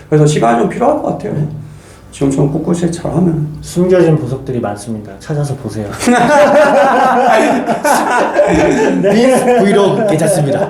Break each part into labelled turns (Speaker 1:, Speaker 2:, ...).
Speaker 1: 그래서 시간이 좀 필요할 것 같아요. 지금처럼 꿋꿋이 잘하면.
Speaker 2: 숨겨진 보석들이 많습니다. 찾아서 보세요.
Speaker 3: 빈 브이로그 괜찮습니다.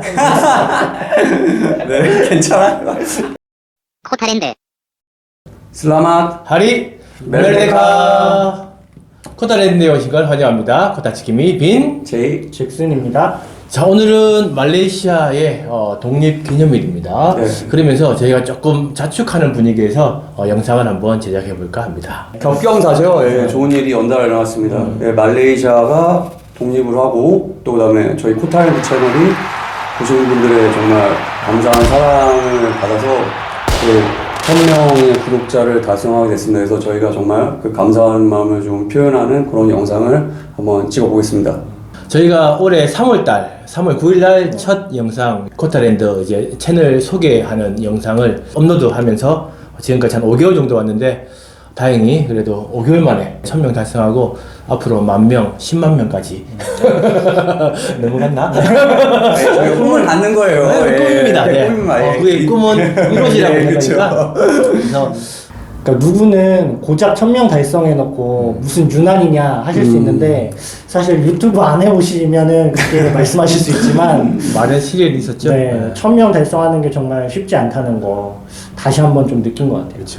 Speaker 1: 네, 괜찮아요.
Speaker 4: 코타랜드
Speaker 1: 슬라맛
Speaker 3: 하리
Speaker 1: 멜데카.
Speaker 3: 멜데카. 코타랜드에 오신 걸 환영합니다. 코타치키미 빈.
Speaker 1: 제이.
Speaker 2: 잭슨입니다.
Speaker 3: 자, 오늘은 말레이시아의 독립기념일입니다.
Speaker 1: 네.
Speaker 3: 그러면서 저희가 조금 자축하는 분위기에서 영상을 한번 제작해 볼까 합니다.
Speaker 1: 격경사죠. 예, 좋은 일이 연달아 일어났습니다. 예, 말레이시아가 독립을 하고 또 그다음에 저희 코타랜드 채널이 보시는 분들의 정말 감사한 사랑을 받아서 그 1000명의 구독자를 달성하게 됐습니다. 그래서 저희가 정말 그 감사한 마음을 좀 표현하는 그런 영상을 한번 찍어보겠습니다.
Speaker 3: 저희가 올해 3월달, 3월 9일날 첫 영상 코타랜드 이제 채널 소개하는 영상을 업로드하면서 지금까지 한 5개월 정도 왔는데 다행히 그래도 5개월 만에 1000명 달성하고 앞으로 10,000명, 10만 명까지 넘어갔나?
Speaker 1: 저희 꿈을 갖는 거예요.
Speaker 3: 네, 꿈입니다. 네.
Speaker 1: 꿈입니다.
Speaker 3: 그의 꿈은 이루어지라고
Speaker 1: 예,
Speaker 3: 생각하니까 그래서
Speaker 2: 그러니까 누구는 고작 1000명 달성해놓고 무슨 유난이냐 하실 수 있는데 사실 유튜브 안 해보시면은 그렇게 말씀하실 수 있지만
Speaker 3: 많은 시련이 있었죠.
Speaker 2: 네, 1000명 달성하는 게 정말 쉽지 않다는 거 다시 한번 좀 느낀 것 같아요.
Speaker 3: 그렇죠.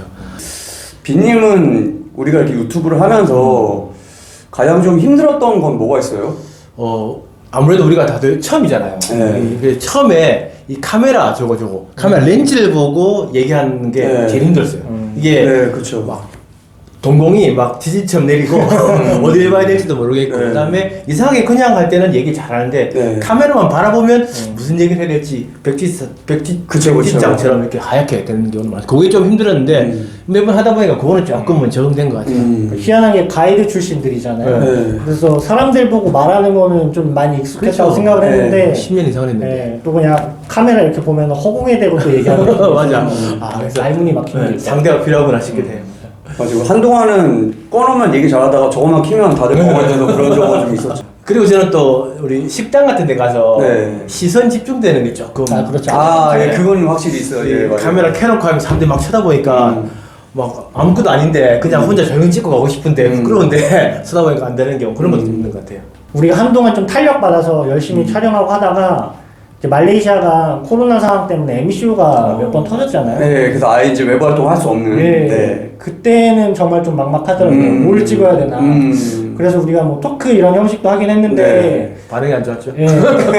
Speaker 1: 빈님은 우리가 이렇게 유튜브를 하면서 가장 좀 힘들었던 건 뭐가 있어요?
Speaker 3: 아무래도 우리가 다들 처음이잖아요.
Speaker 1: 네.
Speaker 3: 그래서 처음에 이 카메라 저거 카메라 렌즈를 보고 얘기하는 게
Speaker 1: 네.
Speaker 3: 제일 힘들었어요. 이게
Speaker 1: 네, 그렇죠.
Speaker 3: 막 동공이 막 지진처럼 내리고 어디에 봐야 될지도 모르겠고
Speaker 1: 네.
Speaker 3: 그다음에 이상하게 그냥 할 때는 얘기 잘하는데
Speaker 1: 네.
Speaker 3: 카메라만 바라보면 무슨 얘기를 해야 될지 백지장처럼 이렇게 하얗게 되는 경우는 많아요. 그게 좀 힘들었는데 매번 하다 보니까 그거는 조금은 적응된 것 같아요.
Speaker 2: 희한하게 가이드 출신들이잖아요.
Speaker 1: 네.
Speaker 2: 그래서 사람들 보고 말하는 거는 좀 많이 익숙했다고
Speaker 3: 그렇죠.
Speaker 2: 생각을
Speaker 1: 네.
Speaker 2: 했는데
Speaker 3: 10년 이상은 했는데.
Speaker 2: 네, 또 그냥 카메라 이렇게 보면 허공에 대고 또 얘기하는 거
Speaker 3: 맞아.
Speaker 2: 그래서 말문이 막히는 게 있어요.
Speaker 3: 상대가 필요하구나 싶게 돼요.
Speaker 1: 맞아요. 한동안은 꺼놓으면 얘기 잘하다가 저거만 키면 다들 멍해져서 그런 적은 좀 있었죠.
Speaker 3: 그리고 저는 또 우리 식당 같은 데 가서
Speaker 1: 네.
Speaker 3: 시선 집중되는 게 조금
Speaker 2: 그렇죠.
Speaker 1: 예, 그건 확실히 있어요. 예, 맞아요.
Speaker 3: 카메라 켜놓고 하면 사람들이 막 쳐다보니까 막 아무것도 아닌데 그냥 혼자 조용히 찍고 가고 싶은데 부끄러운데 쳐다보니까 안 되는 경우 그런 것도 있는 것 같아요.
Speaker 2: 우리가 한동안 좀 탄력받아서 열심히 촬영하고 하다가 이제 말레이시아가 코로나 상황 때문에 MCU가 몇 번 터졌잖아요.
Speaker 1: 네, 그래서 아예 이제 외부 활동 할 수 없는.
Speaker 2: 네. 그때는 정말 좀 막막하더라고요. 뭘 찍어야 되나. 그래서 우리가 뭐 토크 이런 형식도 하긴 했는데
Speaker 1: 네.
Speaker 3: 반응이 안 좋았죠.
Speaker 2: 예.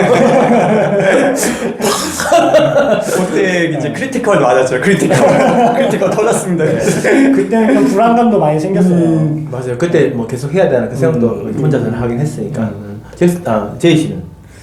Speaker 1: 그때 이제 크리티컬 맞았죠. 크리티컬 터졌습니다.
Speaker 2: 그때는 좀 불안감도 많이 생겼어요.
Speaker 3: 맞아요. 그때 뭐 계속 해야 되나 그 생각도 혼자서는 하긴 했으니까. 제이 씨는?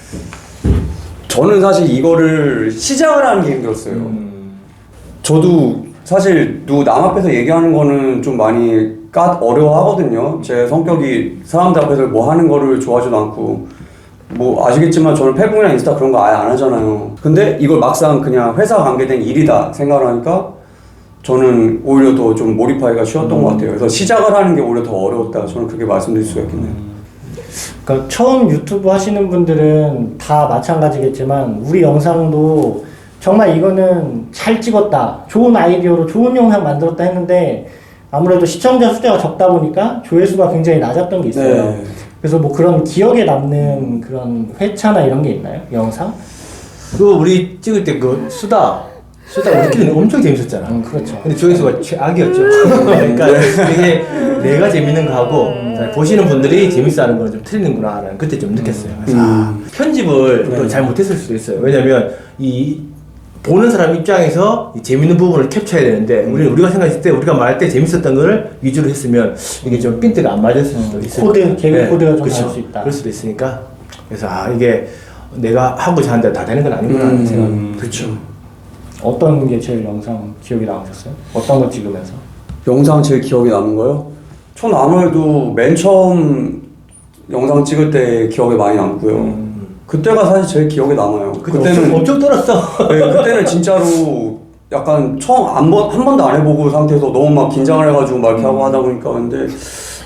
Speaker 1: 저는 사실 이거를 시작을 하는 게 힘들었어요. 저도 사실 남 앞에서 얘기하는 거는 좀 많이 어려워하거든요. 제 성격이 사람들 앞에서 뭐 하는 거를 좋아하지도 않고 뭐 아시겠지만 저는 페북이나 인스타 그런 거 아예 안 하잖아요. 근데 이걸 막상 그냥 회사 관계된 일이다 생각을 하니까 저는 오히려 더 좀 몰입하기가 쉬웠던 것 같아요. 그래서 시작을 하는 게 오히려 더 어려웠다. 저는 그렇게 말씀드릴 수가 있겠네요.
Speaker 2: 그러니까 처음 유튜브 하시는 분들은 다 마찬가지겠지만 우리 영상도 정말 이거는 잘 찍었다, 좋은 아이디어로 좋은 영상 만들었다 했는데 아무래도 시청자 숫자가 적다 보니까 조회수가 굉장히 낮았던 게 있어요.
Speaker 1: 네.
Speaker 2: 그래서 뭐 그런 기억에 남는 그런 회차나 이런 게 있나요? 영상?
Speaker 3: 그거 우리 찍을 때 그 수다 우리끼리는 엄청 재밌었잖아.
Speaker 2: 그렇죠.
Speaker 3: 근데 조회수가 최악이었죠. 그러니까 이게 내가 재밌는 거 하고 보시는 분들이 재밌어하는 거는 좀 틀리는구나라는 그때 좀 느꼈어요. 그래서 편집을 또 잘 못했을 수도 있어요. 왜냐면 이 보는 사람 입장에서 이 재밌는 부분을 캡처해야 되는데 우리가 생각했을 때 우리가 말할 때 재밌었던 거를 위주로 했으면 이게 좀 핀트가 안 맞을 수도 있어요.
Speaker 2: 개그 코드가 좀
Speaker 3: 그렇죠.
Speaker 2: 나올 수 있다.
Speaker 3: 그럴 수도 있으니까 그래서 이게 내가 하고자 하는 대로 다 되는 건 아니구나 하는 생각.
Speaker 1: 그렇죠.
Speaker 2: 어떤 게 제일 영상 기억에 남으셨어요? 어떤 거 찍으면서?
Speaker 1: 영상 제일 기억에 남는 거요? 저는 아무래도 맨 처음 영상 찍을 때 기억에 많이 남고요. 그때가 사실 제일 기억에 남아요. 그때는
Speaker 3: 엄청 떨었어.
Speaker 1: 네, 그때는 진짜로 약간 처음 한 번도 안 해보고 상태에서 너무 막 긴장을 해가지고 막 이렇게 하고 하다 보니까 근데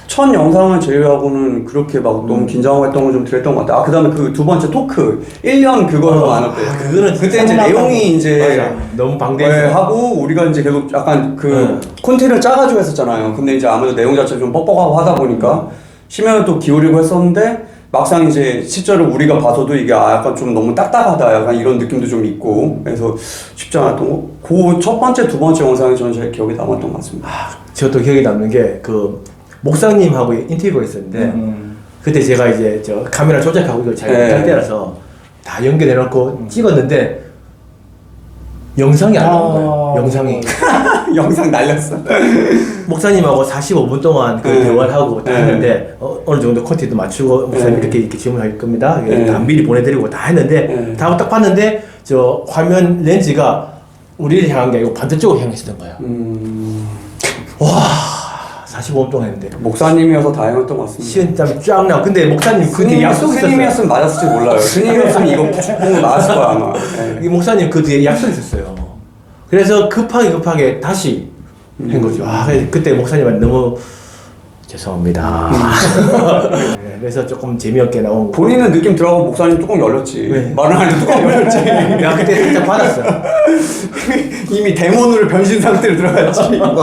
Speaker 1: 첫 영상을 제외하고는 그렇게 막 너무 긴장하고 했던 건 좀 그랬던 것 같아요. 아, 그 다음에 그 두 번째 토크 1년 그거 안 했대.
Speaker 3: 그거는
Speaker 1: 그때 이제 내용이 이제
Speaker 3: 맞아. 너무
Speaker 1: 네,
Speaker 3: 방대해서
Speaker 1: 하고 우리가 이제 계속 약간 그 콘텐츠를 짜가지고 했었잖아요. 근데 이제 아무래도 내용 자체가 좀 뻑뻑하고 하다 보니까 심혈을 또 기울이고 했었는데 막상 이제 실제로 우리가 봐서도 이게 약간 좀 너무 딱딱하다 약간 이런 느낌도 좀 있고 그래서 쉽지 않았던 거. 그 첫 번째, 두 번째 영상이 저는 제일 기억에 남았던 것 같습니다.
Speaker 3: 저도 기억에 남는 게 그 목사님하고 인터뷰가 있었는데 그때 제가 이제 저 카메라 조작하고 이걸 잘 못할 때라서 다 연결해놓고 찍었는데 영상이 안 나온 거예요. 영상이
Speaker 1: 영상 날렸어.
Speaker 3: 목사님하고 45분 동안 그 대화를 하고 다 했는데 어느 정도 콘텐츠 맞추고 목사님 이렇게 질문할 겁니다. 다 미리 보내드리고 다 했는데 다 하고 딱 봤는데 저 화면 렌즈가 우리를 향한 게 아니고 반대쪽으로 향했었던 거예요. 와 45분 동안 했는데
Speaker 1: 목사님이어서 다행이었던 것 같습니다.
Speaker 3: 시은땀이 쫙 나. 근데 목사님 그게 약속이 있었어요.
Speaker 1: 스님이었으면 맞았을지 몰라요. 스님이었으면 이거 푹 맞았을 거야 아마. 네.
Speaker 3: 이 목사님 그 뒤에 약속이 있었어요. 그래서 급하게 다시 한 거죠. 아, 그때 목사님한테 너무 죄송합니다. 네, 그래서 조금 재미없게 나온 거.
Speaker 1: 본인은 느낌 들어가고 목사님 뚜껑 열렸지.
Speaker 3: 네.
Speaker 1: 말을 안 해도 뚜껑 열렸지.
Speaker 3: 야 그때 살짝 받았어.
Speaker 1: 이미 데몬으로 변신 상태로 들어갔지.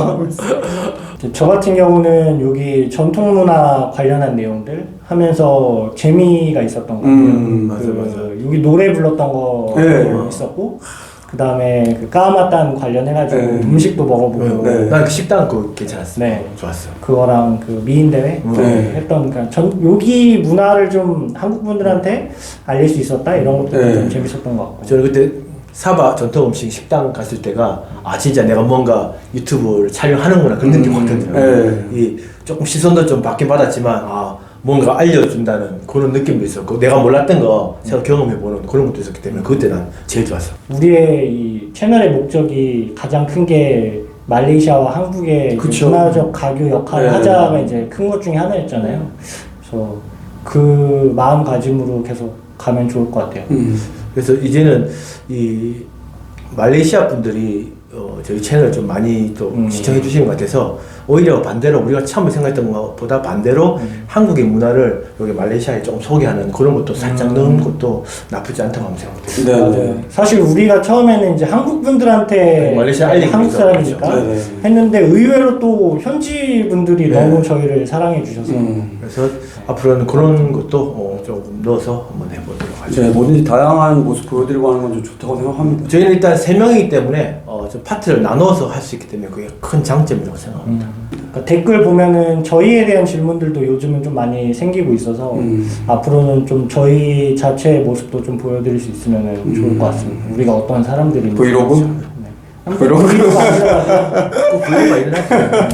Speaker 2: 저 같은 경우는 여기 전통 문화 관련한 내용들 하면서 재미가 있었던 것 같아요.
Speaker 3: 맞아.
Speaker 2: 여기 노래 불렀던 거
Speaker 1: 네.
Speaker 2: 있었고, 그 다음에 그 까마딴 관련해가지고
Speaker 1: 네.
Speaker 2: 음식도 먹어보고,
Speaker 1: 네.
Speaker 3: 난 그 식당 그거 괜찮았어.
Speaker 2: 네.
Speaker 3: 좋았어.
Speaker 2: 그거랑 그 미인 대회
Speaker 1: 네.
Speaker 2: 했던 그러니까 여기 문화를 좀 한국 분들한테 알릴 수 있었다 이런 것도
Speaker 1: 네.
Speaker 2: 좀 재밌었던 것 같고.
Speaker 3: 저는 그때 사바 전통 음식 식당 갔을 때가 아 진짜 내가 뭔가 유튜브를 촬영하는구나 그런 느낌 받거든요.
Speaker 1: 네.
Speaker 3: 이 조금 시선도 좀 받긴 받았지만 아 뭔가 알려준다는 그런 느낌도 있었고 내가 몰랐던 거 제가 경험해보는 그런 것도 있었기 때문에 그때 난 제일 좋았어.
Speaker 2: 우리의 이 채널의 목적이 가장 큰 게 말레이시아와 한국의
Speaker 1: 그쵸.
Speaker 2: 문화적 가교 역할을
Speaker 1: 네.
Speaker 2: 하자가 이제 큰 것 중에 하나였잖아요. 그래서 그 마음가짐으로 계속 가면 좋을 것 같아요.
Speaker 3: 그래서 이제는 이 말레이시아 분들이 저희 채널 좀 많이 또 시청해 주시는 것 같아서 오히려 반대로 우리가 처음에 생각했던 것보다 반대로 한국의 문화를 여기 말레이시아에 조금 소개하는 그런 것도 살짝 넣은 것도 나쁘지 않다고 하면 생각해요.
Speaker 1: 네.
Speaker 2: 사실 우리가 처음에는 이제 한국 분들한테
Speaker 3: 네, 말레이시아 알리기
Speaker 2: 한국
Speaker 3: 위해서
Speaker 2: 사람이니까
Speaker 1: 그렇죠. 네.
Speaker 2: 했는데 의외로 또 현지 분들이
Speaker 3: 네.
Speaker 2: 너무 저희를 사랑해 주셔서
Speaker 3: 그래서 앞으로는 그런 것도 조금 넣어서 한번 해보도록 하죠.
Speaker 1: 네, 뭐든지 다양한 모습 보여드리고 하는 건 좀 좋다고 생각합니다.
Speaker 3: 저희는 일단 3명이기 때문에 좀 파트를 나눠서 할 수 있기 때문에 그게 큰 장점이라고 생각합니다.
Speaker 2: 그러니까 댓글 보면은 저희에 대한 질문들도 요즘은 좀 많이 생기고 있어서 앞으로는 좀 저희 자체의 모습도 좀 보여드릴 수 있으면 좋을 것 같습니다. 우리가 어떤 사람들인지.
Speaker 1: 브이로그?
Speaker 2: 네.
Speaker 1: 브이로그?
Speaker 3: 꼭 브이로그가 일어났어요.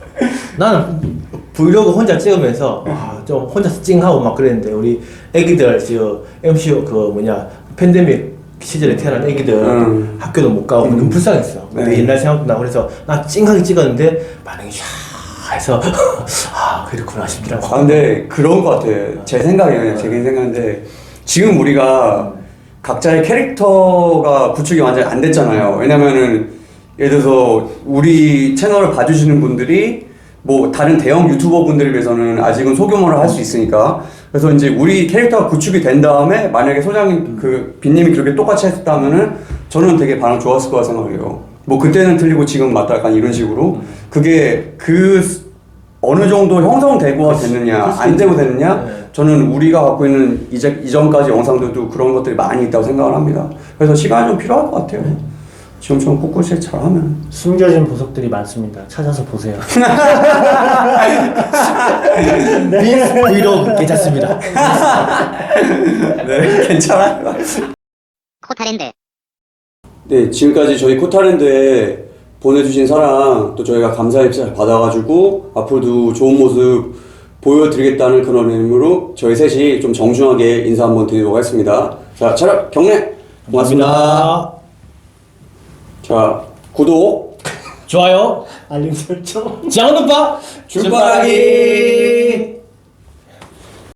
Speaker 3: 나는 브이로그 혼자 찍으면서 좀 혼자서 찡하고 막 그랬는데 우리 애기들 저 MC 그 팬데믹 시절에 태어난 애기들 학교도 못 가고 너무 불쌍했어. 근데
Speaker 1: 네.
Speaker 3: 옛날 생각도 나고 그래서 나 찡하게 찍었는데 반응이 샤 해서 아 그렇구나 싶더라고.
Speaker 1: 아, 근데 그런 것 같아요. 제 생각이에요. 그냥 제 개인 생각인데 지금 우리가 각자의 캐릭터가 구축이 완전히 안 됐잖아요. 왜냐면은 예를 들어서 우리 채널을 봐주시는 분들이 뭐 다른 대형 유튜버 분들에 비해서는 아직은 소규모로 할 수 있으니까 그래서 이제 우리 캐릭터가 구축이 된 다음에 만약에 소장님 그 빈님이 그렇게 똑같이 했다면은 저는 되게 반응 좋았을 거라 생각해요. 뭐 그때는 틀리고 지금 맞다 약간 이런 식으로 그게 그 어느 정도 형성되고 됐느냐 안 되고 됐느냐 저는 우리가 갖고 있는 이전까지 영상들도 그런 것들이 많이 있다고 생각을 합니다. 그래서 시간이 좀 필요할 것 같아요. 지금처럼 꿋꿋이 잘하면
Speaker 2: 숨겨진 보석들이 많습니다. 찾아서 보세요.
Speaker 3: 브이로그 괜찮습니다.
Speaker 1: 네 괜찮아요.
Speaker 4: 코타랜드.
Speaker 1: 네 지금까지 저희 코타랜드에 보내주신 사랑 또 저희가 감사의 잘 받아가지고 앞으로도 좋은 모습 보여드리겠다는 그런 의미로 저희 셋이 좀 정중하게 인사 한번 드리도록 하겠습니다. 자 촬영 경례 고맙습니다. 자 구독
Speaker 3: 좋아요.
Speaker 2: 알림 설정.
Speaker 3: 장훈 오빠
Speaker 1: 출발하기